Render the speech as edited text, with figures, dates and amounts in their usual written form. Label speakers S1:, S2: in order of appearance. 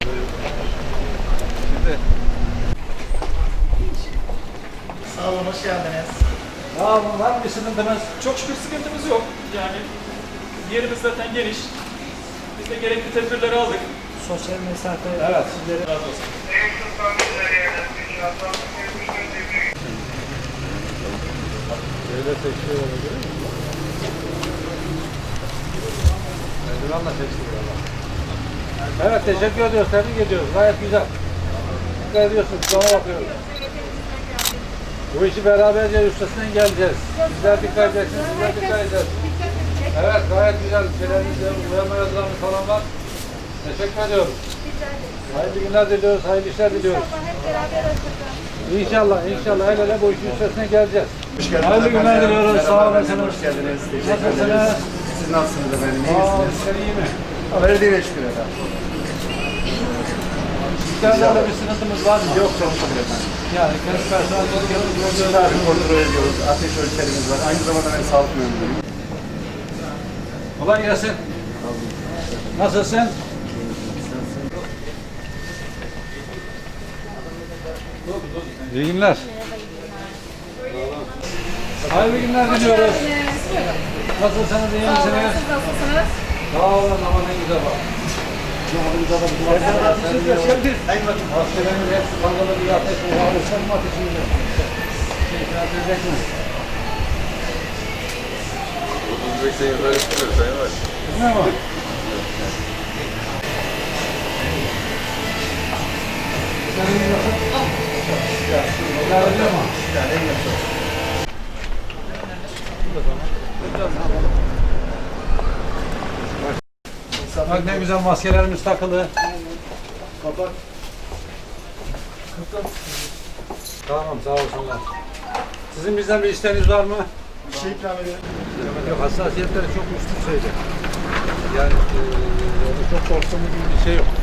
S1: Şimdi.
S2: Sağ olun, hoş geldiniz.
S1: Sağ olun, var mı bir sıkıntınız?
S3: Çok şükür sıkıntımız yok. Yani yerimiz zaten geniş. Biz de gerekli tedbirleri aldık.
S2: Sosyal mesafe
S1: Evet.
S2: sizlere
S3: Razı olsun.
S1: Böyle seçiyor olabilir mi? Eldivenle seçiyor ama. Evet, teşekkür ediyoruz, tebrik ediyoruz. Gayet güzel. Dikkat ediyorsunuz, sonra bakıyoruz. Bu işi beraberce üstesinden geleceğiz. Sizler dikkat edeceksiniz, sizler dikkat edeceğiz. Evet, gayet güzel. Şeylerimizde uyarma yazılarımız falan var. Teşekkür ediyoruz. Hayırlı günler diliyoruz, hayırlı işler diliyoruz. İnşallah, inşallah el ele bu işin üstesinden geleceğiz.
S4: Hoş geldiniz.
S1: Hayırlı günler diliyoruz, sağ olun.
S4: Hoş geldiniz. Teşekkür ederiz. Siz nasılsınız efendim? İyi
S1: Sağ olun,
S4: misiniz?
S1: sen iyi mi?
S4: Verdiğine şükür efendim.
S1: Sizlerle bir sıkıntımız var mı?
S4: Yok çok şükür efendim.
S1: Yani kendi personelimiz
S4: Tabii kontrol ediyoruz. Ateş ölçerimiz var. Aynı zamanda ben sağlık mühendisiyim.
S1: Kolay gelsin. Nasılsın? İyi günler. Hayırlı günler diliyoruz. Nasılsınız, iyi misiniz?
S5: Siz nasılsınız?
S1: Sağ olun, ama ne güzel bak. Askerlerimiz hepsi kankalı bir ateş var. Sen mi ateşinde? İtiraz edecek mi?
S6: Sayın yukarı çıkıyor Sayın Baş.
S1: Ne var? Bak ne güzel maskelerimiz takılı. Kapat. Tamam, sağ olsunlar. Sizin bizden bir isteğiniz var mı?
S4: Bir şey ikram edelim.
S1: Yok, hassasiyetleri çok üstün şeyler. Yani çok korktuğumuz gibi bir şey yok.